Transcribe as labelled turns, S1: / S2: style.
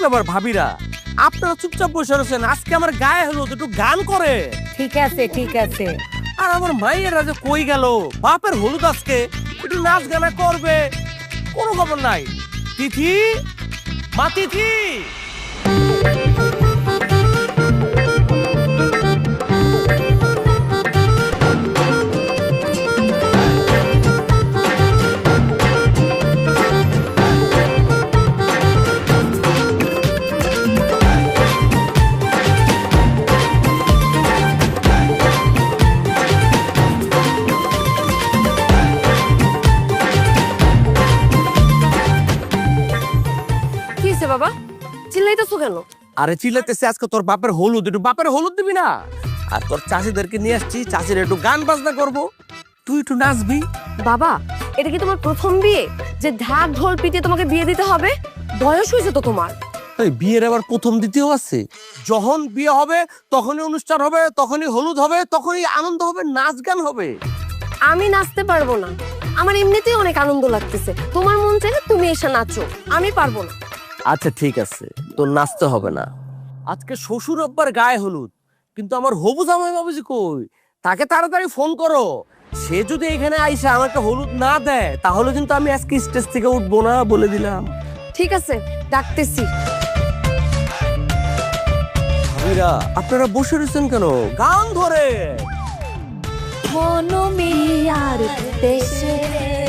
S1: ব্যাপার ভাবিরা, আপনারা চুপচাপ বসে রয়েছেন, আজকে আমার গায়ে হলো একটু গান করে।
S2: ঠিক আছে ঠিক আছে।
S1: আর আমার মাইয়েরা যে কই গেল, বাপের হলুদ আজকে একটু নাচ গানা করবে, কোনো খবর নাই। তিথি, মা তিথি,
S2: কি হয়েছে বাবা, চিল্লাইতেছো কেন?
S1: আরে চিল্লাতেছে আজকে তোর বাপের হলুদ, একটু বাপের হলুদ দিবি না? আর তোর চাষিদেরকে নিয়ে আসছি, চাষির একটু গান বাজনা করব, তুই একটু নাচবি।
S2: বাবা, এটা কি তোমার প্রথম বিয়ে যে ঢাক ঢোল পিটিয়ে তোমাকে বিয়ে দিতে হবে? বয়স হয়েছে তো তোমার।
S1: এই বিয়ের আবার প্রথম দ্বিতীয় আছে? যখন বিয়ে হবে তখনই অনুষ্ঠান হবে, তখনই হলুদ হবে, তখনই আনন্দ হবে, নাচ গান হবে।
S2: আমি নাচতে পারবো না, আমার এমনিতেই অনেক আনন্দ লাগতেছে। তোমার মন চাইলে তুমি এসে নাচো, আমি পারবো না।
S1: আচ্ছা ঠিক আছে, তোর নাচতে হবে না। আজকে শ্বশুর আব্বার গায়ে হলুদ, কিন্তু আমার হবু জামাই বাবুজি কই? তাকে তাড়াতাড়ি ফোন করো। সে যদি এখানে আইসা আমাকে হলুদ না দেয়, তাহলে কিন্তু আমি আজকে স্টেজ থেকে উঠবো না, বলে দিলাম।
S2: ঠিক আছে, ডাকতেছি।
S1: ভাবিরা, আপনারা বসে রয়েছেন কেন? গান ধরে।
S2: মনমিয়ার দেশে